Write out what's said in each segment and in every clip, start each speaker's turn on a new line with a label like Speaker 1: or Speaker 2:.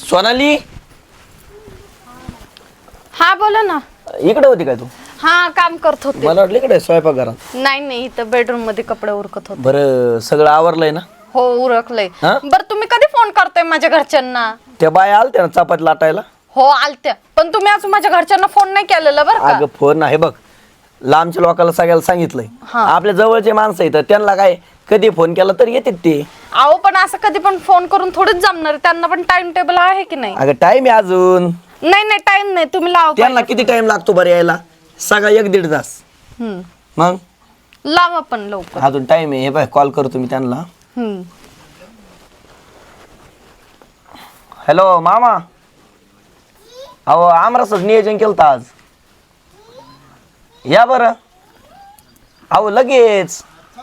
Speaker 1: सोनाली
Speaker 2: हा बोला ना.
Speaker 1: इकडे होती काय तू?
Speaker 2: हा काम करत होते.
Speaker 1: मला वाटलं इकडे स्वयंपाक घरात.
Speaker 2: नाही इथं बेडरूम मध्ये कपडे उरकत होते.
Speaker 1: बरं सगळं आवरलंय ना?
Speaker 2: हो उरकलंय.
Speaker 1: हा?
Speaker 2: बरं तुम्ही कधी फोन करताय माझ्या घरच्यांना?
Speaker 1: त्या बाया आलत्या ना चपाती लाटायला?
Speaker 2: हो आलत्या, पण तुम्ही अजून माझ्या घरच्यांना फोन नाही केलेला बरं का?
Speaker 1: अगं फोन आहे बघ, लांबच्या लोकांना सगळ्याला सांगितलंय.
Speaker 2: हा.
Speaker 1: आपल्या जवळचे माणसं आहेत त्यांना काय कधी फोन केला तर येतात ते.
Speaker 2: अहो पण असं कधी पण फोन करून थोडीच जमणार, त्यांना पण टाइम टेबल आहे की नाही?
Speaker 1: अगं टाइम आहे अजून.
Speaker 2: नाही टाइम नाही, तुम्ही लावा
Speaker 1: त्यांना किती टाइम लागतो बरं यायला? सगळा 1-1.5 तास.
Speaker 2: हम्म.
Speaker 1: मग
Speaker 2: लावा पण लवकर.
Speaker 1: अजून टाइम आहे. हे बाय कॉल करतो मी त्यांना.
Speaker 2: हम्म.
Speaker 1: हॅलो मामा, अहो आमरसच नियोजन केलं आज. या बरं. अहो लगेच.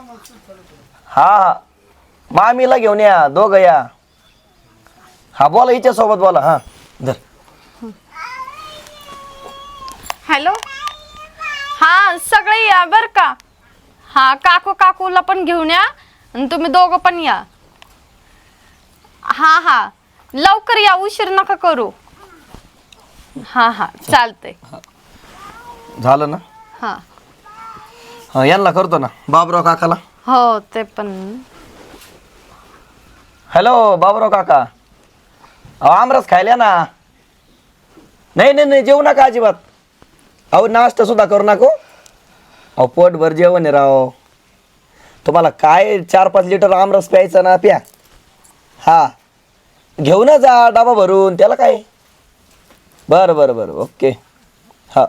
Speaker 1: हा मामीला घेऊन या, दोघं या. हा बोला, हिच्या सोबत बोला. हा धर.
Speaker 2: हॅलो. हा सगळे या बर का. हा काकूला पण घेऊन या आणि तुम्ही दोघं पण या. हा लवकर या, उशीर नका करू. हा चालतंय.
Speaker 1: झालं ना?
Speaker 2: हा
Speaker 1: हा यांना करतो ना, बाबराव काकाला.
Speaker 2: हो ते पण.
Speaker 1: हॅलो बाबराव काका, अहो आमरस खायला ना. नाही जेवू नका अजिबात. अहो नाश्ता सुद्धा करू नको. अहो पोटभर जेवण आहे राव. तुम्हाला काय 4-5 लिटर आमरस प्यायचा ना, प्या. हा घेऊन जा डबा भरून, त्याला काय. बरं ओके. हा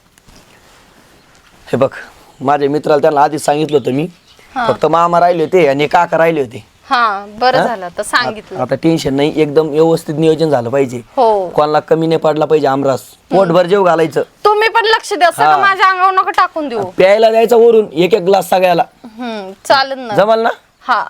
Speaker 1: हे बघ, माझ्या मित्राला त्यांना आधीच सांगितलं होतं मी. फक्त मामा राहिले होते आणि काका राहिले होते.
Speaker 2: हा बरं झालं तर सांगितलं.
Speaker 1: आता टेन्शन नाही, एकदम व्यवस्थित नियोजन झालं पाहिजे.
Speaker 2: हो
Speaker 1: कोणाला कमी नाही पडला पाहिजे आमरस. पोटभर जेव घालायचं.
Speaker 2: तुम्ही पण लक्ष द्या, सगळं माझ्या अंगावर नका टाकून देऊ.
Speaker 1: प्यायला द्यायचं वरून 1-1 ग्लास सगळ्याला.
Speaker 2: चालेल ना.
Speaker 1: जमल ना?
Speaker 2: हा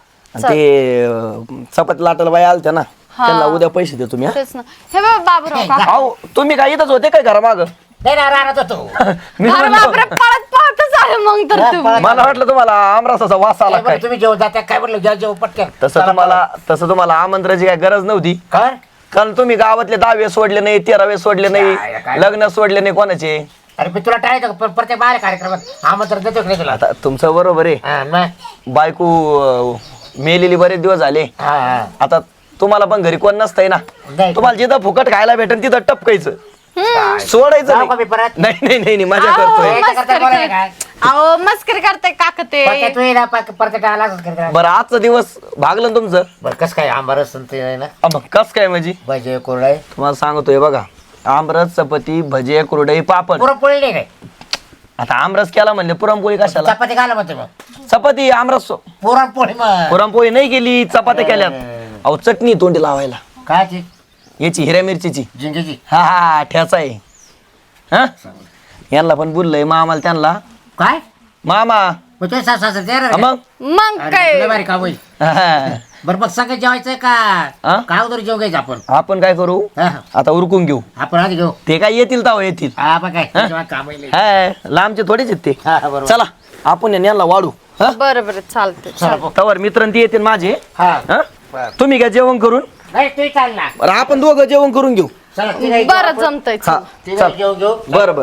Speaker 1: ते चपाती लाटायला बाई आलत्या ना, त्यांना उद्या पैसे देतो मी.
Speaker 2: तेच ना. हे बघ बाबूराव काका.
Speaker 1: अहो तुम्ही काय इथंच होते काय घरामाग?
Speaker 3: नाही ना, राहत होतो.
Speaker 1: मी
Speaker 2: अरे
Speaker 1: म्हणलो,
Speaker 2: बापरे, पळतच आहे मग तर तुम्ही.
Speaker 1: मला वाटलं तुम्हाला आमरसाचा वास आला काय.
Speaker 3: तुम्ही जेवण जाता काय म्हणलं, जेव पटकन.
Speaker 1: तसं तुम्हाला आमंत्रणाची काय गरज नव्हती.
Speaker 3: काय
Speaker 1: कारण तुम्ही गावातले 10 सोडले नाही, 13 सोडले
Speaker 3: काय?
Speaker 1: नाही, लग्न सोडले नाही कोणाचे.
Speaker 3: अरे मी तुला टाळायचं का? प्रत्येक बाहेर कार्यक्रमात आमंत्रण देतो की नाही तुला?
Speaker 1: आता तुमचं बरोबर आहे.
Speaker 3: हा, मग?
Speaker 1: बायको मेलेली बरेच दिवस झाले.
Speaker 3: हा.
Speaker 1: आता तुम्हाला पण घरी कोण नसतंय ना.
Speaker 3: नाही.
Speaker 1: तुम्हाला जिथं फुकट खायला भेटेल तिथं टपकायचं,
Speaker 3: काय?
Speaker 1: सोडायचं
Speaker 3: जाऊ का मी
Speaker 1: नाही.
Speaker 3: परत?
Speaker 1: नाही मजा
Speaker 2: अहो,
Speaker 1: करतोय.
Speaker 3: काय करता
Speaker 2: मस्करी
Speaker 3: बोलायला काय?
Speaker 2: अहो मस्करी करताय काका ते.
Speaker 3: परत तू ये ना, परत टाळायला असंच करत.
Speaker 1: बरं आजचा दिवस भागलं ना तुमचं.
Speaker 3: बरं कसं काय आंबारस संत्री आहे ना,
Speaker 1: मग कस काय म्हणजे
Speaker 3: भजे कोरडाय,
Speaker 1: तुम्हाला सांगतोय बघा, आमरस चपाती भजे कुरडई पापड.
Speaker 3: पुरणपोळी नाही काय?
Speaker 1: आता आमरस केला म्हणले पुरणपोळी कशाला?
Speaker 3: चपाती घाला म्हणते मग.
Speaker 1: चपाती आमरस
Speaker 3: पुरणपोळी मग
Speaker 1: पुरणपोळी नाही केली, चपात्या केल्यात. अहो चटणी तोंडी लावायला
Speaker 3: काय ती
Speaker 1: याची हिऱ्या मिरचीची.
Speaker 3: जिंजीची.
Speaker 1: हा ठ्याचा आहे. हा यांना पण बोललंय मामाला त्यांना.
Speaker 3: काय
Speaker 1: मामा
Speaker 3: मग तुझ्या सासू ते
Speaker 1: हा, मग
Speaker 2: मग काय.
Speaker 3: भारी काम होईल.
Speaker 1: हा.
Speaker 3: बरं मग सगळं जेवायचंय का?
Speaker 1: हा?
Speaker 3: काय उदर जेव घ्यायचं आपण?
Speaker 1: आपण काय करू
Speaker 3: हा.
Speaker 1: आता उरकून घेऊ.
Speaker 3: आपण आधी घेऊ.
Speaker 1: ते काय येतील तेव्हा येतील.
Speaker 3: हा आपण काय जेव्हा काम होईल.
Speaker 1: हाय लांबचे थोडेच आहेत ते.
Speaker 3: हा, बरोबर.
Speaker 1: चला आपण यांना वाढू. हा
Speaker 2: बरं चालतंय.
Speaker 3: चला, भाऊ.
Speaker 1: तवर मित्र ते येतील माझे.
Speaker 3: हा.
Speaker 1: हा
Speaker 3: बरं.
Speaker 1: तुम्ही काय जेवण करून.
Speaker 3: नाही तू चाल ना.
Speaker 1: बरं आपण दोघं जेवण करून घेऊ.
Speaker 3: चला तिघाही
Speaker 2: बरं
Speaker 3: आपण.
Speaker 2: जमतंय.
Speaker 1: हा
Speaker 3: तिघाही घेऊ.
Speaker 1: बरं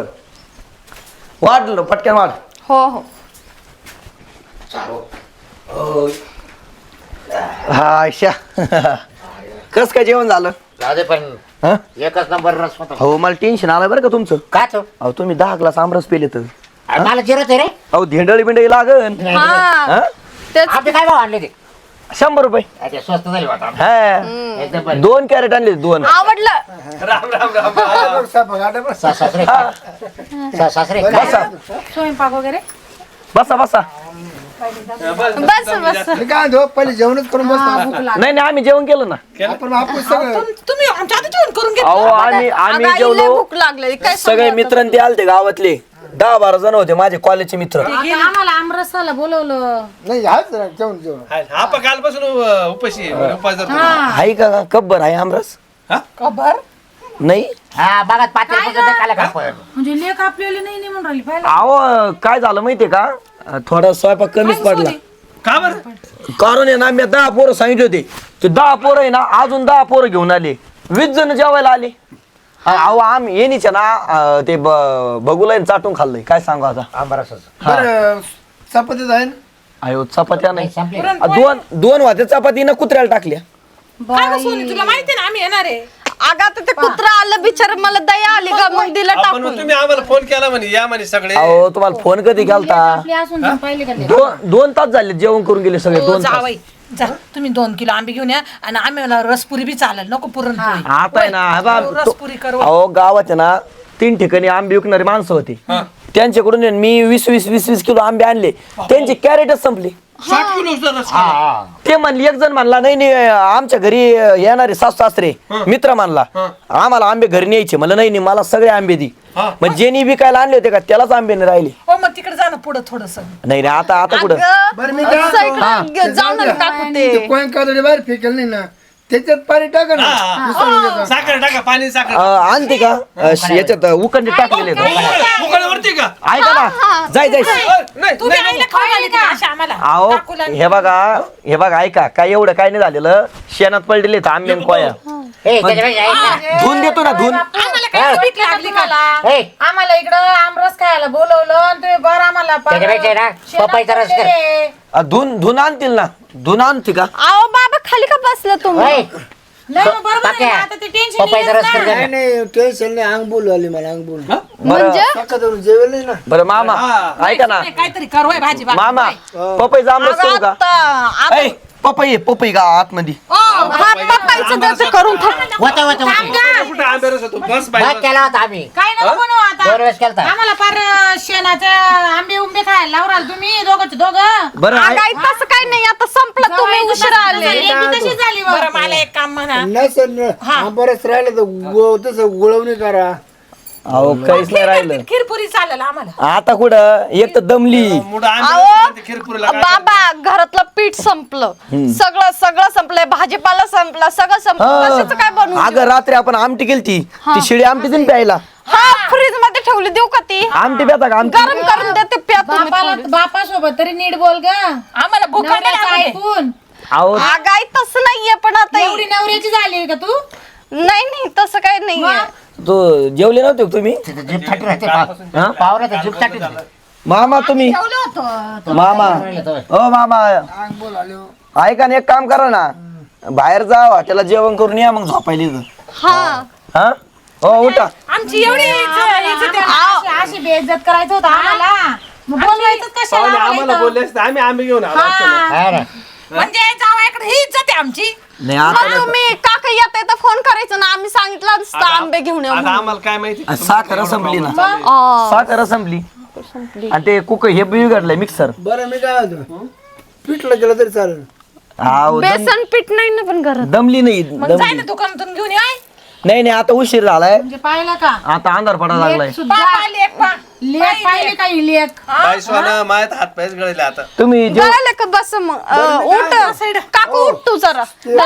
Speaker 1: वाढलं पटकन वाढ.
Speaker 2: हो
Speaker 1: हा आयशा कस काय जेवण झालं?
Speaker 3: जाऊ दे पण
Speaker 1: हा?
Speaker 3: एकच नंबर रस होता.
Speaker 1: हो मला टेन्शन आलं बरं का तुमचं.
Speaker 3: का तो?
Speaker 1: अहो तुम्ही 10 ग्लास आमरस पेले तर.
Speaker 3: अरे मला जिरत आहे रे.
Speaker 1: अहो धेंडळी बिंडळी लागन.
Speaker 2: हा
Speaker 1: हा?
Speaker 2: तेच.
Speaker 3: आपले काय भाव आणले ते?
Speaker 1: 100 रुपये.
Speaker 3: अच्छा स्वस्त झाले वाटतं.
Speaker 1: हा
Speaker 3: एकदम बरं.
Speaker 1: 2 कॅरेट आणले 2.
Speaker 2: आवडलं.
Speaker 3: सासरे सासरे
Speaker 1: बसा
Speaker 2: स्वयंपाक वगैरे
Speaker 1: बसा बसा.
Speaker 2: बस
Speaker 4: मी काय म्हणतो, पहिले जेवणच करून बसतो.
Speaker 1: नाही आम्ही जेवण केलं ना.
Speaker 4: आपण आपण सगळं
Speaker 2: तुम्ही आमच्या आधी जेवण करून घेतलं.
Speaker 1: अहो आम्ही जेवलो.
Speaker 2: भूक लागली काय
Speaker 1: सगळे मित्र ते आलते गावातले 10-12 जण होते माझे कॉलेजचे मित्र.
Speaker 5: आम्हाला आमरसाला बोलवलं.
Speaker 4: नाही हाच जेवण जेवण
Speaker 6: आपण कालपासून उपाशी उपास धरतो.
Speaker 1: आहे का कब्बर आहे आमरस?
Speaker 2: खबर
Speaker 1: नाही
Speaker 3: हा बघा पात्र खाला का आपण.
Speaker 5: म्हणजे लेख आपल्याला नाही म्हणून राहिली पाहिलं.
Speaker 1: अहो काय झालं माहितीये का, थोडा स्वयंपाक कमीच पडला.
Speaker 6: का बरं?
Speaker 1: कारण आहे ना मी 10 पोरं सांगितले होते, ते 10 पोरं आहे ना अजून 10 पोरं घेऊन आले. 20 जण जेवायला आली अहो आम्ही येणीच्या ना ते बघूला चाटून खाल्लंय काय सांगू आता
Speaker 3: आंबरसाचं.
Speaker 4: बरं चपातीच आहे ना?
Speaker 1: अयो चपात्या नाही
Speaker 3: संपली.
Speaker 1: दोन वाटे चपाती ना कुत्र्याला टाकल्या
Speaker 5: काय गं सोनी, तुला माहिती ना आम्ही येणार आहे.
Speaker 2: अगं आता ते कुत्रा आलं बिचार मला दया आली का मग दिलं
Speaker 6: आपण
Speaker 2: टाकून
Speaker 6: तुम्ही आम्हाला फोन केला म्हणे या म्हणे सगळे
Speaker 1: अहो तुम्हाला फोन कधी केलता
Speaker 5: आपली असून पण पाहिले का ते?
Speaker 1: दोन तास झाले जेवण करून गेले सगळे
Speaker 5: हो,
Speaker 1: 2 तास
Speaker 5: जावई जा तुम्ही 2 किलो आंबे घेऊन या आणि आम्हाला रसपुरी बी चालेल नको पुरणपोळी.
Speaker 1: आता आहे ना हे बा,
Speaker 5: रसपुरी करू.
Speaker 1: अहो गावाच्या ना 3 ठिकाणी आंबे विकणारी माणसं होती त्यांच्याकडून आहे ना मी 20 किलो आंबे आणले त्यांची कॅरेटच संपली
Speaker 6: 60 किलो रस
Speaker 3: हा, हा.
Speaker 1: ते म्हणले एक जण म्हणला नाही आमच्या घरी येणारे सासू सासरे मित्र म्हणला आम्हाला आंबे घरी न्यायचे म्हणलं नाही मला सगळे आंबे दी मग ज्यांनी विकायला आणले होते का त्यालाच आंबे नाही राहिले
Speaker 5: हो मग तिकडे जा ना पुढं थोडस.
Speaker 1: नाही आता कुठं
Speaker 4: बरं मी काय म्हणतो?
Speaker 2: जाऊन टाकू ते
Speaker 4: ते कोण कादडी बाहेर फेकेल नाही ना त्याच्यात पाणी टाका ना उसळून घेता.
Speaker 6: साखर टाका पाणी साखर
Speaker 1: आणते का याच्यात उकंडी टाकलेले
Speaker 6: उकळवरती का
Speaker 1: ऐका ना जाय
Speaker 6: नाही
Speaker 5: तुम्ही आईला खाऊ घाली का अशा आम्हाला?
Speaker 1: अहो
Speaker 5: काकूला
Speaker 1: हे बघा ऐका काय एवढं काय नाही झालेलं शेणात पडलेले आंबे आणि कोया
Speaker 3: ए, त्याच्यापेक्षा ऐक ना.
Speaker 1: धुवून देतो ना धुवून
Speaker 5: आम्हाला काय भीक लागली का?
Speaker 3: ए,
Speaker 5: आम्हाला इकडं आमरस खायला बोलवलं आणि तुम्ही बरं आम्हाला
Speaker 3: त्याच्यापेक्षा ना पपईचा रस कर.
Speaker 1: धुवून आणतील ना धुवून आणते का
Speaker 2: अहो बाबा खाली का बसलं तुम्ही
Speaker 3: ए,
Speaker 5: नाही मग बरोबर आहे ना,
Speaker 3: पक्या.
Speaker 5: आता ते टेन्शन
Speaker 3: पपईचा रस कर
Speaker 4: नाही
Speaker 3: जरा.
Speaker 4: नाही टेन्शन नाही अंग बोलू आली मला अंग बोलू
Speaker 2: म्हणजे
Speaker 4: सकाळ धरून जेवेल नाही ना
Speaker 1: बरं मामा ऐका ना
Speaker 5: काहीतरी करू होय भाजी
Speaker 1: मामा पपईचा आमरस करू का
Speaker 2: आता
Speaker 1: ऐ, पपई का आतमध्ये
Speaker 2: हा पप्पाचं त्याचं करून टाक.
Speaker 3: वता, वता, वता.
Speaker 6: कुठे आंबे रस होतो बस
Speaker 3: भात
Speaker 6: पाहिजे
Speaker 3: केला होता आम्ही
Speaker 5: काय नको बनवू आता
Speaker 3: 2 वेळेस केलता.
Speaker 5: आम्हाला फार शेणाचे आंबे उंबे खायला लावराल तुम्ही दोघं.
Speaker 1: बरं
Speaker 2: अगं आई, तसं काही नाही आता संपलं तुम्ही उशिरा आले
Speaker 5: तशी झाली बरं मला एक काम म्हणा
Speaker 4: नसेल बरंच राहिलं तर तसं गुळवणी करा
Speaker 1: अहो काहीच नाही राहिलं
Speaker 5: खीरपुरी चालेल आम्हाला.
Speaker 1: आता कुठं एक तर दमली
Speaker 6: मुडा
Speaker 2: अहो
Speaker 6: आंबे खिरपुरीला काय
Speaker 2: बाबा घरातलं पीठ संपलं सगळं संपलंय भाजीपाला संपला सगळं संपलं कशाचं काय बनवू
Speaker 1: अगं रात्री आपण आमटी केलती ती शिळी आमटी देऊन प्यायला
Speaker 2: हा फ्रीज मध्ये ठेवली देऊ का ती
Speaker 1: आमटी प्याता का आमटी
Speaker 2: गरम करून देते प्या तुम्ही थोडी.
Speaker 5: बापासोबत तरी नीट बोल ग आम्हाला भूक ऐकून.
Speaker 1: अहो
Speaker 2: अगं आई तसं नाहीये पण आता
Speaker 5: एवढी नवऱ्याची झाली का तू?
Speaker 2: नाही तसं काही नाहीये
Speaker 1: तो जेवले नव्हते का तुम्ही
Speaker 3: तिथं जीप थाटी राहते
Speaker 1: हा?
Speaker 3: पावरात जीप थाटी राहते.
Speaker 1: मामा तुम्ही मामा ओ मामा
Speaker 4: अंग बोल आले
Speaker 1: ऐका ना एक काम करा ना बाहेर जा हॉटेलला जेवण करून या मग झोपायला इथं. हा हो उठा
Speaker 5: आमची एवढी इज्जत आहे. अशी बेइज्जत करायचं होतं आम्हाला मग बोलवायचं कशाला
Speaker 6: पाहुणे
Speaker 5: आम्हाला
Speaker 6: आम्हाला
Speaker 5: इथं?
Speaker 6: बोलले असते आम्ही आंबे घेऊन आलो असतो ना.
Speaker 3: काय रे?
Speaker 5: म्हणजे जावयाकडे ही इज्जत आहे आमची.
Speaker 1: नाही आता
Speaker 2: मग तुम्ही काका येत तर फोन करायचं ना आम्ही सांगितलं असतं आंबे घेऊन या
Speaker 6: आता
Speaker 2: म्हणून.
Speaker 6: आम्हाला काय माहिती
Speaker 1: साखर संपली ना
Speaker 2: आ,
Speaker 1: साखर संपली आणि ते कुक हे बिघडलंय मिक्सर
Speaker 4: बरं मी काय म्हणतो पिठलं केलं तरी चालेल
Speaker 2: बेसन पीठ नाही ना पण घरात
Speaker 1: दमली नाही
Speaker 5: मग जाय
Speaker 1: दमली
Speaker 5: ना दुकानातून घेऊन ये.
Speaker 1: नाही आता उशीर झालाय
Speaker 5: म्हणजे पाहिलं का
Speaker 1: आता अंधार पडा लागलाय
Speaker 5: लेख पाहिले का ही लेख
Speaker 6: बाई सोना मायात हात पायच गळले आता
Speaker 1: तुम्ही जेव
Speaker 2: गळाले का बस मग उठ काकू उठ तू जरा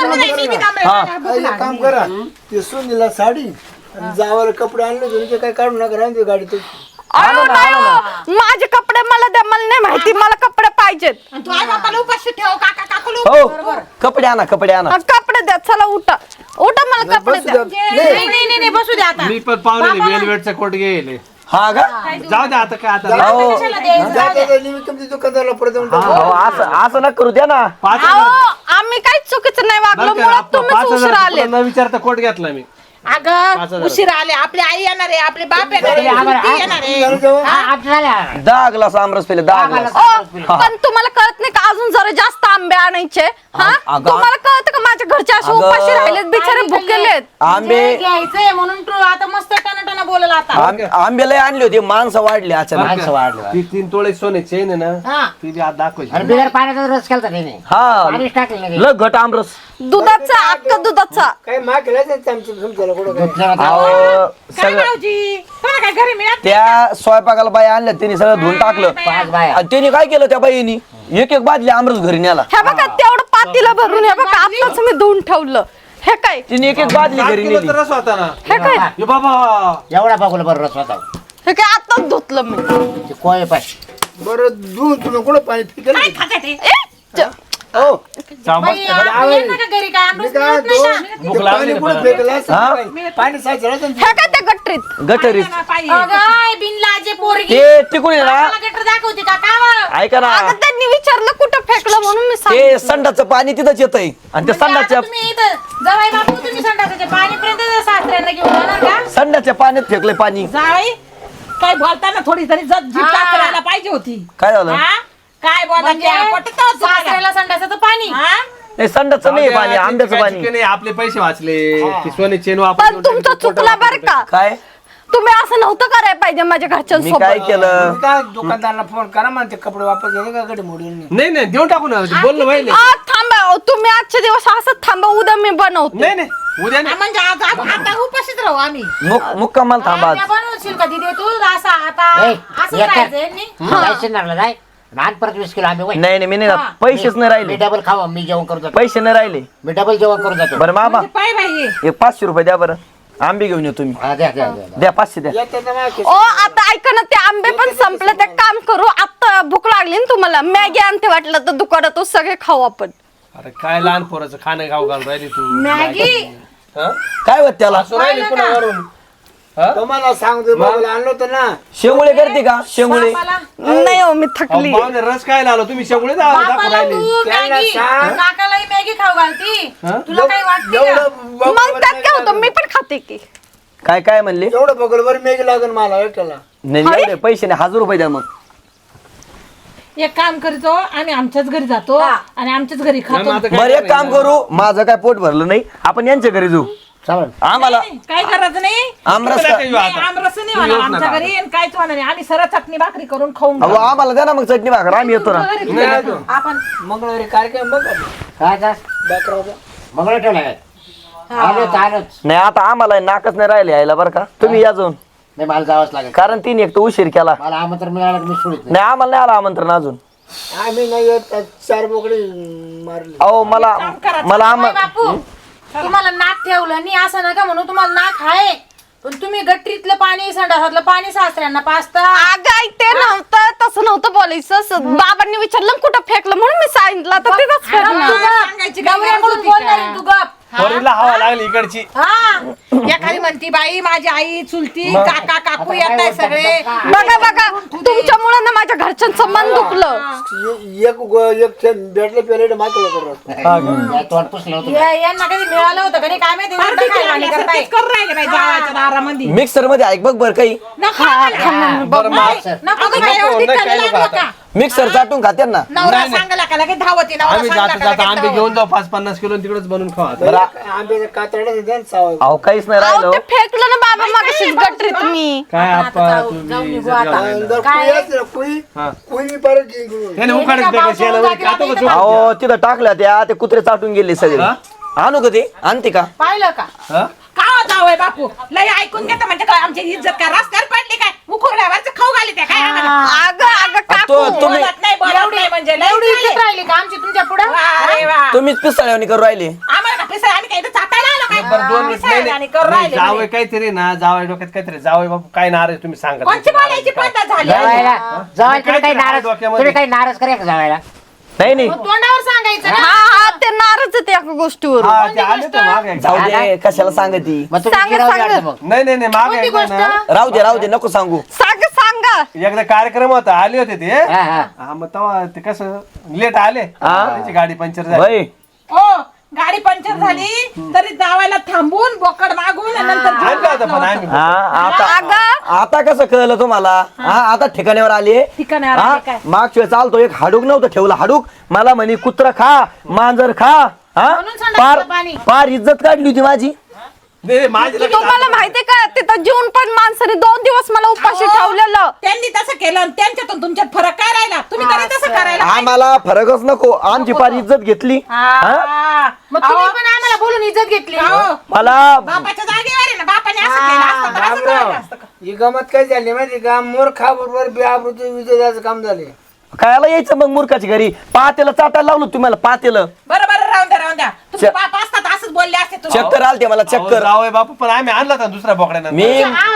Speaker 1: हा
Speaker 4: एक काम करा ते सुनीला साडी आणि जावाला कपडे आणले तुमचे काय काढू नका राहून दे गाडीत
Speaker 2: अहो, नाही हो. माझे कपडे मला द्या मला नाही माहिती मला कपडे पाहिजेत
Speaker 5: तू आई बापाला उपाशी ठेव काका काकूला
Speaker 1: हो कपडे आणा
Speaker 2: हा, कपडे द्या चला उठा मला कपडे द्या
Speaker 5: नाही बसू दे आता
Speaker 6: मी पण पाहुणे वेलवेटचा कोट घेले
Speaker 1: हा का
Speaker 6: जाऊ दे आता काय आता
Speaker 1: अहो
Speaker 4: तुमच्या दुकानदाराला परत येऊन टाकू.
Speaker 1: अहो, असं नका करू द्या ना
Speaker 6: 5,000
Speaker 2: अहो, आम्ही काहीच चुकीचं नाही वागलो मुळात तुम्हीच उशिरा आले
Speaker 6: न विचारता कोट घेतला मी
Speaker 5: अगं उशिरा आले आपली आई येणार आहे आपले बाप येणार आहे
Speaker 3: आम्हाला-
Speaker 5: ती येणार आहे
Speaker 4: झालं जेवण?
Speaker 3: आमचं झालं.
Speaker 1: 10 ग्लास आमरस पेले 10 ग्लास
Speaker 2: पण तुम्हाला कळत नाही का अजून जरा जास्त आंबे आणायचे हा
Speaker 1: अगं-
Speaker 2: तुम्हाला कळतं का माझ्या घरचे असे
Speaker 1: अगं-
Speaker 2: उपाशी राहिलेत बिचारे भुकेलेत
Speaker 1: आंबे
Speaker 5: घ्यायचंय म्हणून तू आता मस्त टना बोलला आता
Speaker 1: आंबे लय आणले होते माणसं वाढली अचानक
Speaker 3: माणसं वाढली बा.
Speaker 6: ती 3 तोळे सोने चेन आहे ना
Speaker 5: हा
Speaker 6: ती बी आज दाखवायची
Speaker 3: आणि बिगर पाण्याचा रस केलता त्याने
Speaker 1: हा
Speaker 3: पाणीच टाकलं नाही.
Speaker 1: लय घट आमरस
Speaker 2: दुधाचा अक्का दुधाचा
Speaker 4: काय माग केलाच आमचं तुमच्याला कुठं काय
Speaker 3: दुसऱ्याला
Speaker 1: अहो
Speaker 5: काय
Speaker 1: सगळं
Speaker 5: भाऊजी तुला काय घरी मिळत
Speaker 1: त्या स्वयंपाकाला बाई आणल्या त्यांनी सगळं धुवून टाकलं
Speaker 3: पाच बाया.
Speaker 1: आणि त्यांनी काय केलं त्या बाईनी एक बादली आमरस घरी न्याला
Speaker 2: हे बघा तेवढं पातीला भरून हे बघा आताच मी धुवून ठेवलं हे काय
Speaker 1: तिने एक बादली घरी नेली
Speaker 6: तर रस होता ना
Speaker 2: हे काय
Speaker 6: हे बाबा
Speaker 3: एवढा बघूला बरं रस होता
Speaker 2: हे काय आताच धुतलं मी
Speaker 3: ते कोय पाय
Speaker 4: बरं दूध तुला कुठं पाणी फिकेल
Speaker 5: काय खाते ते
Speaker 2: ए, च-
Speaker 4: हो
Speaker 6: सांभाळ.
Speaker 5: बाई, आपण येणार का घरी काय आमरस
Speaker 4: मी काय
Speaker 5: मिळत नाही का?
Speaker 4: म्हणतो,
Speaker 6: भूक
Speaker 4: ते
Speaker 6: लागली
Speaker 4: पाणी
Speaker 6: ना
Speaker 4: कुठं
Speaker 6: मला.
Speaker 4: फेकलं असं
Speaker 1: हा?
Speaker 4: काय? पाणी साचलं असेल.
Speaker 2: हे काय त्या गटरीत
Speaker 1: गटरीत
Speaker 5: अगं, आई बिनलाजे पोरगी
Speaker 1: ते तिकडून आहे
Speaker 5: मला
Speaker 1: ना
Speaker 5: गटर दाखवते का कावं?
Speaker 1: ऐका ना
Speaker 2: अगं त्यांनी विचारलं कुठं फेकलं म्हणून मी
Speaker 1: ते
Speaker 2: सांगितलं.
Speaker 1: संडाचं पाणी तिथंच येतंय आणि त्या
Speaker 5: म्हणजे
Speaker 1: संडाच्या
Speaker 5: आता तुम्ही इथं जावाई बापू तुम्ही संडासाच्या पाणीपर्यंत सासऱ्यांना घेऊन जाणार का?
Speaker 1: संडाच्या पाण्यात फेकलंय पाणी
Speaker 7: जावई काय बोलताना थोडी तरी जीभ
Speaker 5: हा.
Speaker 7: टाकायला पाहिजे होती
Speaker 1: काय झालं
Speaker 7: हा? काय बोलता
Speaker 5: म्हणजे सासऱ्याला संडासाचं पाणी
Speaker 1: नाही संडाचं नाही पाणी आंब्याचं
Speaker 6: काय
Speaker 1: पाणी
Speaker 6: चुकी नाही, आपले पैसे वाचले ती सोने चेन
Speaker 2: पण तुमचं चुकला बरं का
Speaker 1: काय
Speaker 2: तुम्ही असं नव्हतं करायला पाहिजे माझ्या
Speaker 1: मी काय
Speaker 2: घरच्यांसोबत
Speaker 1: केलं
Speaker 4: मी काय दुकानदाराला फोन करा म्हणते कपडे वापस गेले का कडे मोडून नाही.
Speaker 6: नाही नाही देऊन टाकू ना बोललो पहिले
Speaker 2: थांबा तुम्ही आजच्या दिवस असंच थांबा उद्या मी बनवते
Speaker 6: नाही नाही उद्या नाही.
Speaker 7: म्हणजे आता उपाशीच राहू आम्ही
Speaker 1: मुक्कामाल थांबा
Speaker 5: त्या बनवशील का दिदी तू असं आता
Speaker 3: ए,
Speaker 5: असं
Speaker 3: एक
Speaker 5: राहायचं यांनी?
Speaker 3: जायचं ना जाय आणि परत 20 किलो आम्ही वय.
Speaker 1: नाही नाही मी नाही जात. पैसेच नाही
Speaker 3: मी
Speaker 1: राहिले
Speaker 3: डबल खावा मी जेवण करून जातो
Speaker 1: पैसे नाही राहिले
Speaker 3: मी डबल जेवण करून जातो
Speaker 1: बरं मामा
Speaker 7: पाय बाई
Speaker 1: एक 500 रुपये द्या बरं आंबे घेऊन येतो तुम्ही
Speaker 3: हा, द्या द्या द्या, द्या.
Speaker 1: द्या 500 द्या
Speaker 4: येतं तर माझ्या
Speaker 2: ओ आता ऐका ना ते आंबे पण संपले ते काम करू आता भूक लागली ना तुम्हाला मॅगी आणते वाटलं तर दुकानात सगळे खाऊ आपण
Speaker 6: अरे काय लहान पोराचं खाणं खाऊ घालून राहिली तू
Speaker 5: मॅगी
Speaker 6: हा?
Speaker 1: काय होत त्याला
Speaker 6: असं राहिली पुन्हा वरून हा?
Speaker 4: तुम्हाला सांगतो बाबाला आणलं होतं ना
Speaker 1: शेंगुळे करते का शेंगुळे
Speaker 5: बापाला
Speaker 2: नाही हो मी
Speaker 6: अहो,
Speaker 2: थकली
Speaker 6: पाहुणे रस काय लावला तुम्ही शेवळे दाखवून
Speaker 5: बापाला
Speaker 6: राहिले
Speaker 5: तू
Speaker 4: त्यांना
Speaker 5: मॅगी
Speaker 4: सांग.
Speaker 5: काकालाही मॅगी खाऊ घालती
Speaker 6: हा?
Speaker 5: तुला काही वाटते का?
Speaker 4: एवढं
Speaker 2: मग त्यात काय होतं मी पण खाते की
Speaker 1: काय काय म्हणले
Speaker 4: एवढं बगलवर मेघ लागेल मला एकट्याला.
Speaker 1: नाही एवढे पैसे नाही 1000 रुपये द्या मग
Speaker 7: एक काम करतो आम्ही आमच्याच घरी जातो आणि आमच्याच घरी
Speaker 6: नाही, मग
Speaker 7: खातो
Speaker 6: आता काय
Speaker 1: बरं एक काम करू माझं काय पोट भरलं नाही आपण यांच्या घरी जाऊ
Speaker 3: चालेल
Speaker 1: आम्हाला
Speaker 7: नाही, काय करायचं नाही
Speaker 1: आमरस
Speaker 6: तुम्हाला काही
Speaker 7: नाही,
Speaker 6: आता.
Speaker 7: आमरस नाही
Speaker 6: तुम्ही
Speaker 7: होणार
Speaker 6: येऊच
Speaker 7: आमच्या
Speaker 6: नका.
Speaker 7: घरी आणि काहीच होणार नाही आम्ही सरळ चटणी भाकरी करून खाऊन
Speaker 1: अहो आम्हाला द्या ना मग चटणी भाकर आम्ही येतो ना
Speaker 7: घरी
Speaker 6: नाही, नाही.
Speaker 5: आपण
Speaker 4: मंगळवारी कार्यक्रम बघा
Speaker 3: काय जा
Speaker 4: बाकराचा.
Speaker 3: मंगळ ठेवला काय आलोच आलोच
Speaker 1: नाही आता आम्हाला नाकच नाही राहिले यायला बरं का तुम्ही या जाऊन
Speaker 3: नाही मला जावंच लागेल
Speaker 1: कारण तिने एक तर उशीर केला
Speaker 3: मला आमंत्रण मिळालं की मी सोडित नाही
Speaker 1: नाही आम्हाला नाही आलं आमंत्रण अजून
Speaker 4: आम्ही नाही येत 4 बोकडे मारले.
Speaker 1: अहो मला
Speaker 5: जावई बापू तुम्हाला नाक ठेवलं नाही असं नका म्हणू तुम्हाला नाक आहे पण तुम्ही गटरीतलं पाणी संडासातलं पाणी सासऱ्यांना पाजता
Speaker 2: अगं ते नव्हतं तसं नव्हतं बोलायचं बाबांनी विचारलं कुठं फेकलं म्हणून मी सांगितलं तर तिथंच फेकलं
Speaker 7: सांगायची काय गरज
Speaker 5: नवऱ्याकडून
Speaker 7: होती
Speaker 5: बोलणार
Speaker 7: का?
Speaker 5: आहे तू गप
Speaker 6: पोरीला हवा लागली इकडची
Speaker 5: हा
Speaker 7: एखादी म्हणती बाई माझी आई चुलती काका काकू येत आहे सगळे
Speaker 2: बघा बघा तुमच्यामुळे ना माझ्या घरच्यांचं मन दुखलं
Speaker 4: एक भेटले पेलेट मात्र करत
Speaker 3: या तोंड पुसलं होतं
Speaker 5: यांना कधी मिळालं होतं कधी काय माहिती
Speaker 7: फार
Speaker 5: नंतर
Speaker 7: देखील
Speaker 5: काय
Speaker 7: आम्ही
Speaker 5: वाणी
Speaker 7: असं
Speaker 5: करताय
Speaker 7: तेच करून राहिले बाई जावाच्या दारामध्ये
Speaker 1: मिक्सर मध्ये ऐक बघ बरं काही
Speaker 7: नको आम्हाला.
Speaker 6: बरं मग
Speaker 5: नको
Speaker 7: अगं
Speaker 5: गं
Speaker 7: बाई,
Speaker 5: बाई.
Speaker 7: एवढी
Speaker 6: नाही, काही
Speaker 7: चालली
Speaker 6: नको
Speaker 7: लागलो
Speaker 6: आता.
Speaker 7: का?
Speaker 1: मिक्सर चाटून खात्यात ना
Speaker 7: नवरा सांगायला का लगेच धावती नवरा
Speaker 6: आम्ही
Speaker 7: सांगायला
Speaker 6: जाता
Speaker 7: का
Speaker 6: जाता
Speaker 7: लगेच
Speaker 6: आंबे
Speaker 7: धावती.
Speaker 6: घेऊन जाऊ 5-50 किलो आणि तिकडेच बनवून खाऊ आता.
Speaker 4: आंब्याचं कातडं द्या ना सावं.
Speaker 1: अहो काहीच नाही
Speaker 2: अहो
Speaker 1: राहिलो
Speaker 2: ते फेकलं ना बाबा मगाशीच गटरीत मी
Speaker 6: काय
Speaker 5: आता
Speaker 6: आपा
Speaker 5: जाऊ
Speaker 6: तुम्ही
Speaker 5: निघू
Speaker 6: इज्जत
Speaker 5: आता.
Speaker 6: घालायला.
Speaker 4: जर
Speaker 5: काय?
Speaker 4: कुई असलं, कुई
Speaker 6: हा.
Speaker 4: कुई परत जिंकून.
Speaker 6: त्याने उखाडच
Speaker 5: एका
Speaker 6: बेकार शेणामध्ये
Speaker 5: पावसाळ्यात
Speaker 6: खातो का
Speaker 5: जागी
Speaker 6: चोरून?
Speaker 1: अहो तिथं टाकल्या त्या ते कुत्रे चाटून गेले सगळे
Speaker 6: हा?
Speaker 1: आणू का ते आणते का
Speaker 5: पाहिलं का
Speaker 6: हा?
Speaker 7: का हो जावई बापू लय ऐकून घेता म्हणजे काय आमची इज्जत काय रस्त्यावर पडली काय मुखुरड्यावरच खाऊ घाली त्या काय आम्हाला?
Speaker 2: अगं काकू
Speaker 1: तुम्ही
Speaker 7: बोलत नाही म्हणजे लय
Speaker 5: एवढी
Speaker 7: झाली.
Speaker 5: इज्जत राहिली का आमची तुमच्या पुढं
Speaker 7: वा रे वा.
Speaker 1: तुम्हीच पिस्तळ्यावणी करू राहिले
Speaker 7: आम्हाला का पिसळ आम्ही काय इथं चाटायला आलो काय
Speaker 6: बरं 2 मिनिट
Speaker 7: पिसळ आणि करून राहिले
Speaker 6: जावई
Speaker 7: म्हणे.
Speaker 6: काहीतरी ना जावई डोक्यात काहीतरी जावई बापू काय नाराज तुम्ही सांगा
Speaker 7: कोणची बोलायची पद्धत झाली
Speaker 3: जावायला जावाय तुम्ही काही
Speaker 6: काय
Speaker 3: नाराज
Speaker 6: डोक्यामध्ये?
Speaker 3: तुम्ही काही नाराज करा का जावायला
Speaker 1: नाही नाही
Speaker 5: मग तोंडावर सांगायचं
Speaker 2: हा
Speaker 5: ना
Speaker 2: हा ते नाराज आहे त्या गोष्टीवर
Speaker 6: हा ते आले तर मागे
Speaker 1: जाऊ दे कशाला सांगती
Speaker 3: मग तुम्ही
Speaker 2: सांगा,
Speaker 3: गिरावून
Speaker 2: सांगा.
Speaker 3: वाटतं मग
Speaker 6: नाही नाही नाही मागे
Speaker 5: कोणती
Speaker 6: एकदा
Speaker 5: गोष्ट
Speaker 6: ना
Speaker 1: राहू दे नको सांगू
Speaker 2: सांगा
Speaker 6: एकदा कार्यक्रम होता आले होते ते
Speaker 3: हा हा
Speaker 6: हा मग तेव्हा ते कसं लेट आले त्याची गाडी पंक्चर झाली
Speaker 1: भाई
Speaker 7: ओ गाडी पंक्चर झाली तरी जावायला थांबून बोकड मागून आणि नंतर
Speaker 6: आणलं
Speaker 7: जेवण
Speaker 6: होतं पण
Speaker 7: घातलं
Speaker 6: आम्ही
Speaker 1: हा आता
Speaker 2: अगं
Speaker 1: आता कसं कळलं तुम्हाला हा आता ठिकाण्यावर आले
Speaker 7: ठिकाणावर
Speaker 1: हा
Speaker 7: आले काय?
Speaker 1: मागच्या वेळेस चालतो एक हाडूक नव्हतं ठेवलं हाडूक मला म्हणे कुत्र खा मांजर खा हा
Speaker 5: म्हणून संडासचं
Speaker 1: पार
Speaker 5: पाणी.
Speaker 1: पार इज्जत काढली होती माझी
Speaker 6: नाही, नाही, माझी लक्षात
Speaker 2: तुम्हाला
Speaker 6: आलं.
Speaker 2: माहितीये का तिथं जेवून पण माणसाने 2 दिवस मला उपाशी
Speaker 7: अहो,
Speaker 2: ठेवलेलं
Speaker 7: त्यांनी तसं केलं आणि त्यांच्यातून तुमच्यात फरक काय राहिला तुम्ही तरी तसं करायला
Speaker 1: आम्हाला फरकच नको आमची पार इज्जत घेतली हा?
Speaker 7: हा.
Speaker 5: मग तुम्ही पण आम्हाला बोलून इज्जत घेतली
Speaker 7: अहो,
Speaker 1: मला
Speaker 7: बापाच्या जागेवर आहे ना बापाने असं केलं असतं तर असं करायला असतं का?
Speaker 4: ही गमत काय झाली माहिती का मोरखा बरोबर बेआबरूचं विजयाचं काम झाले.
Speaker 1: खायला यायचं मग मूर्खाची घरी पातेला चाटायला लावलं तुम्हाला पातेलं
Speaker 7: बरं बरं राहून द्या तुमचे बाप असतात असंच बोलले असते तुम्ही
Speaker 1: चक्कर आलते मला
Speaker 6: अहो,
Speaker 1: चक्कर
Speaker 6: जावई बापू पण आम्ही आणला होता दुसऱ्या बोकड्यानं
Speaker 1: मी
Speaker 5: आहो जावई बापू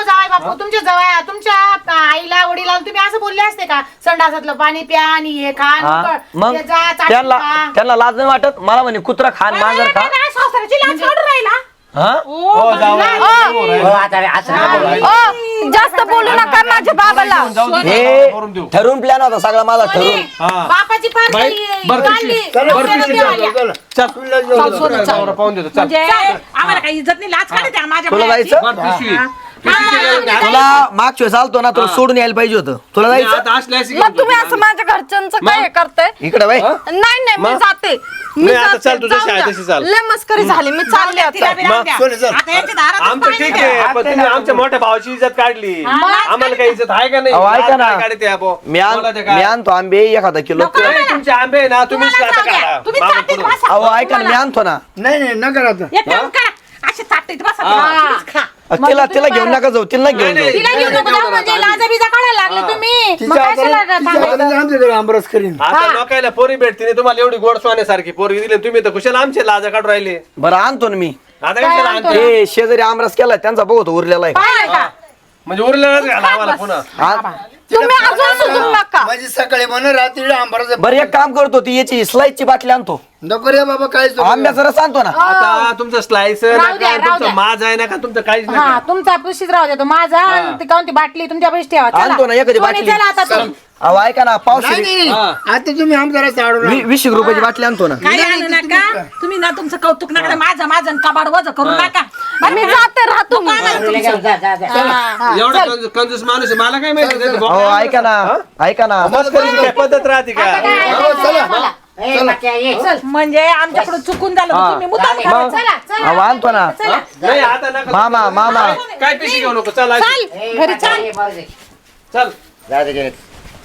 Speaker 5: अहो, तुमच्या आईला वडिला तुम्ही असं बोलले असते का संडासातलं पाणी प्या आणि हे खा आणि
Speaker 1: हा
Speaker 5: मग
Speaker 1: मग
Speaker 5: ते जा, चाटणी
Speaker 1: त्यांना
Speaker 5: खा.
Speaker 1: त्यांना लाज नाही वाटत मला म्हणे कुत्रा खान मांजर खा
Speaker 7: सासऱ्याची लाज काढून राहिला
Speaker 1: हा
Speaker 6: हो जाऊ
Speaker 3: हो, आता असं नका बोलू.
Speaker 2: ओ जास्त बोलू नका माझ्या बाबाला.
Speaker 1: हे
Speaker 6: करून देऊ
Speaker 1: ठरून प्लॅन होता सगळा माझा ठरून
Speaker 6: हा
Speaker 5: बापाची पार
Speaker 6: बाई,
Speaker 5: काही
Speaker 6: बरं
Speaker 5: काढली.
Speaker 4: चला
Speaker 6: बरं,
Speaker 4: पिशवी
Speaker 5: डोक्याला
Speaker 4: द्या,
Speaker 5: देवाला.
Speaker 4: चला. सुनीला जेवण द्या.
Speaker 6: नवरा पाहून देतो चल
Speaker 7: म्हणजे आम्हाला काही इज्जत नाही लाज काढते का माझ्या
Speaker 1: तुला
Speaker 7: बायाची?
Speaker 1: जायचं
Speaker 6: बरं, पिशवी पिशवीची गरज नाही.
Speaker 1: तुला मागच्या वेळेस आलतो ना तुला सोडून यायला पाहिजे होतं तुला
Speaker 6: मी
Speaker 1: जायचं
Speaker 6: आता असल्यास
Speaker 2: मग तुम्ही असं माझ्या घरच्यांचं काय करताय?
Speaker 1: इकडे बाई
Speaker 2: नाही मी
Speaker 6: मग?
Speaker 2: जाते. मी
Speaker 6: नाही, आता
Speaker 2: जाते.
Speaker 6: चाल, तुझ्या
Speaker 2: जाऊ
Speaker 6: शाळेत
Speaker 2: द्या.
Speaker 6: तशी चाल.
Speaker 2: लय मस्करी झाली मी चालले
Speaker 7: तिला
Speaker 2: आता.
Speaker 7: बी राहू द्या.
Speaker 4: सोने, चल.
Speaker 7: आता यांच्या दारातच
Speaker 6: आमचं
Speaker 7: पाणी
Speaker 6: ठीक
Speaker 7: द्या.
Speaker 6: आहे पण तुम्ही आमच्या मोठ्या भावाची इज्जत काढली आम्हाला काही इज्जत आहे का नाही
Speaker 1: अहो, ऐका ना.
Speaker 6: लाज काय काढते आपण?
Speaker 1: मी
Speaker 6: बोला ते काय?
Speaker 1: मी आणतो आंबे एखादा किलो
Speaker 6: नाही, तुमचे आंबे आहे ना तुम्हीच
Speaker 5: तुम्हाला
Speaker 6: आता
Speaker 5: जाऊ द्या.
Speaker 6: काढा.
Speaker 7: तुम्ही
Speaker 6: मागं
Speaker 7: चाटीत
Speaker 6: पुढं.
Speaker 7: बसा.
Speaker 1: अहो ऐका ना मी आणतो ना
Speaker 4: नाही नाही नका आता
Speaker 7: एक काम करा असे चाटीत बसा
Speaker 6: हा.
Speaker 7: तुम्हीच खा.
Speaker 1: तिला घेऊन नका जाऊ तिला घेऊन
Speaker 6: नाही,
Speaker 1: जाऊ
Speaker 6: नाही.
Speaker 5: तिला घेऊन नको जाऊ म्हणजे लाजा बिजा काढायला लागले तुम्ही मग
Speaker 4: तिच्या
Speaker 5: कशाला
Speaker 4: हाताने आमच्याकडे आंबरस करीन
Speaker 6: आता लोकायला पोरी भेटते नाही, तुम्हाला एवढी गोड सोन्यासारखी पोरी दिली तुम्ही तर कुशाला आमचे लाजा काढून राहिले
Speaker 1: बरं आणतो ना मी
Speaker 6: आता कशाला आणते?
Speaker 1: हे शेजारी आमरस केला त्यांचा बघतो उरलेला आहे
Speaker 5: पाहिलं का
Speaker 6: म्हणजे उरलेलंच घाला आम्हाला पुन्हा
Speaker 1: हा?
Speaker 2: तुम्ही अजून सुधरू नका.
Speaker 4: म्हणजे सकाळी म्हण रात्री आंबरस
Speaker 1: बरं एक काम करतो ती याची स्लाईसची बाटली आणतो
Speaker 4: नको रे बाबा काय
Speaker 1: आंब्याचा रस आणतो ना
Speaker 6: आता तुमचं स्लाइस
Speaker 5: राहू द्या, राहू
Speaker 6: तुमचं
Speaker 5: द्या.
Speaker 6: माज आहे ना का तुमचं काहीच
Speaker 5: हा
Speaker 6: नाही
Speaker 5: तुमचा पुशीच राहू द्या तो माझा आणि ती काऊन ती बाटली तुमच्या पैसे ठेवा चला.
Speaker 1: आणतो ना एखादी
Speaker 5: सोनी,
Speaker 1: बाटली
Speaker 5: चला आता तुम्ही.
Speaker 1: अहो ऐका ना
Speaker 4: नाही
Speaker 1: पावसाळी
Speaker 4: नाही आता तुम्ही आमचा रस आडून
Speaker 1: 20 रुपयाची बाटली आणतो ना
Speaker 7: काही आणू नका तुम्ही ना तुमचं कौतुक नका माझं कबाड वज करू नका
Speaker 2: मी जाते राहतो मी.
Speaker 3: तुला घेऊन जा, जा, जा.
Speaker 6: एवढा कंजूस माणूस आहे मला काय माहिती त्याचं
Speaker 1: अहो
Speaker 6: बोकायला.
Speaker 1: ऐका ना ऐका ना
Speaker 6: मस्करीची काय पद्धत राहते का
Speaker 5: आता काय
Speaker 4: हो, चला.
Speaker 5: चला.
Speaker 3: ए, बाकी आहे, ये.
Speaker 7: म्हणजे आमच्याकडून चुकून झालं तर तुम्ही मुद्दाम
Speaker 1: मग
Speaker 7: करायचं.
Speaker 5: चला चला
Speaker 1: अहो आणतो ना
Speaker 5: चला
Speaker 6: नाही आता नका
Speaker 1: मामा
Speaker 6: काय पिशी घेऊ नको चल अशी.
Speaker 3: ए,
Speaker 5: घरी
Speaker 3: बाकी आहे, बरं दे.
Speaker 6: चल
Speaker 3: जा दे घरी.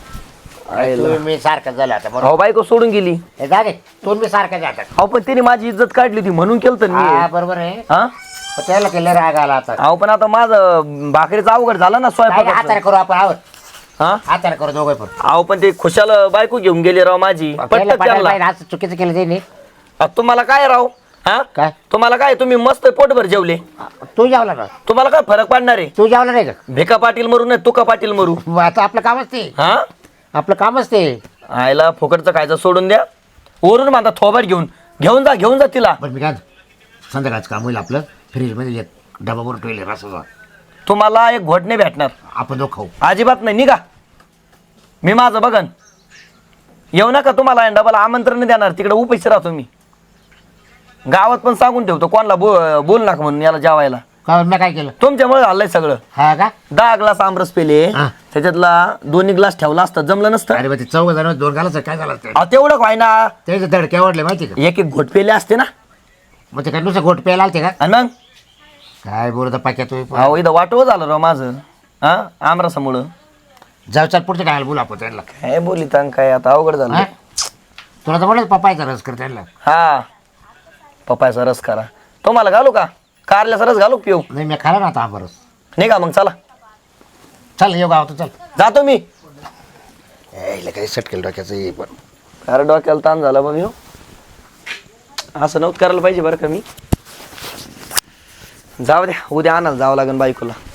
Speaker 3: तुम्ही सारखं झालं आता बरोबर
Speaker 1: अहो बायको सोडून गेली
Speaker 3: ए, जा दे तुम्ही सारखं जातात
Speaker 1: अहो पण तिने माझी इज्जत काढली होती म्हणून केलं तर
Speaker 3: हा
Speaker 1: मी
Speaker 3: बरोबर आहे
Speaker 1: हा
Speaker 3: पण त्याला केलं राग आला आता
Speaker 1: अहो पण आता माझं भाकरीचं अवघड झालं ना
Speaker 3: काय हाताने
Speaker 1: स्वयंपाक
Speaker 3: करू आपण आहोत
Speaker 1: हा
Speaker 3: हाताने करू दोघे पण
Speaker 1: अहो पण ते खुशाल बायको घेऊन गेली राव माझी
Speaker 3: त्याला
Speaker 1: पटकन
Speaker 3: पटायला
Speaker 1: त्यांना
Speaker 3: पाहिजे, असं चुकीचं केलं त्यांनी
Speaker 1: तुम्हाला काय राव हा
Speaker 3: काय
Speaker 1: तुम्हाला काय तुम्ही मस्त पोटभर जेवले
Speaker 3: तू जेवला ना
Speaker 1: तुम्हाला काय फरक पडणार आहे
Speaker 3: तू जेवला नाही का
Speaker 1: भिका पाटील मरू नाही तुका पाटील मरू
Speaker 3: मग आता आपलं कामच ते
Speaker 1: हा
Speaker 3: आपलं कामच ते
Speaker 1: आयला फुकटचं खायचं सोडून द्या वरून माझा थोबाट घेऊन जा तिला
Speaker 3: पण मी काय म्हणतो, संध्याकाळचं काम होईल आपलं फ्रीजमध्ये एक डबा भरून ठेवले रसाचा
Speaker 1: तुम्हाला एक घोट नाही भेटणार
Speaker 3: आपण दोघं खाऊ
Speaker 1: अजिबात नाही निघा मी माझं बघन येऊ नका तुम्हाला डबल आमंत्रण नाही देणार तिकडे उपाशी राहतो मी गावात पण सांगून ठेवतो कोणाला बोल नका म्हणून याला जेवायला
Speaker 3: काय मी काय केलं
Speaker 1: तुमच्यामुळे झालंय सगळं
Speaker 3: हा का
Speaker 1: 10 ग्लास आमरस पेले
Speaker 3: हा.
Speaker 1: त्याच्यातला 2 ग्लास ठेवला असतं जमलं नसतं
Speaker 3: अरे बा ते 4 जण 2 घालायचं काय झालं असतं?
Speaker 1: अहो तेवढं काय ना
Speaker 3: त्याचे धडके आवडले माहिती का
Speaker 1: एक घोट पेले असते ना
Speaker 3: मग ते काय नुसतं गोट प्यायला आलते का
Speaker 1: आणि मग
Speaker 3: काय बोलत पाक्या तुम्ही
Speaker 1: अहो इथं वाटव झालं राव माझं हा आमरसामुळं
Speaker 3: जाऊ चाल पुढचं काय बोलू आपण त्यांना
Speaker 1: काय बोलित काय आता अवघड
Speaker 3: हा?
Speaker 1: झालं
Speaker 3: तुला तर म्हणत पप्पायचा रस कर त्यांना
Speaker 1: हा पपायचा रस करा तुम्हाला घालू का कारल्याचा रस घालू पिऊ
Speaker 3: नाही मी खाला ना आता हा रस
Speaker 1: नाही का मग चला
Speaker 3: चल येऊ गावात चल
Speaker 1: जातो मी
Speaker 3: काही सटकेल डोक्याचं हे पण
Speaker 1: अरे डोक्याला ताण झाला बघ ह्यो. असं नव्हतं करायला पाहिजे बरं का मी जाऊ द्या उद्या आणायला जावं लागेल बायकोला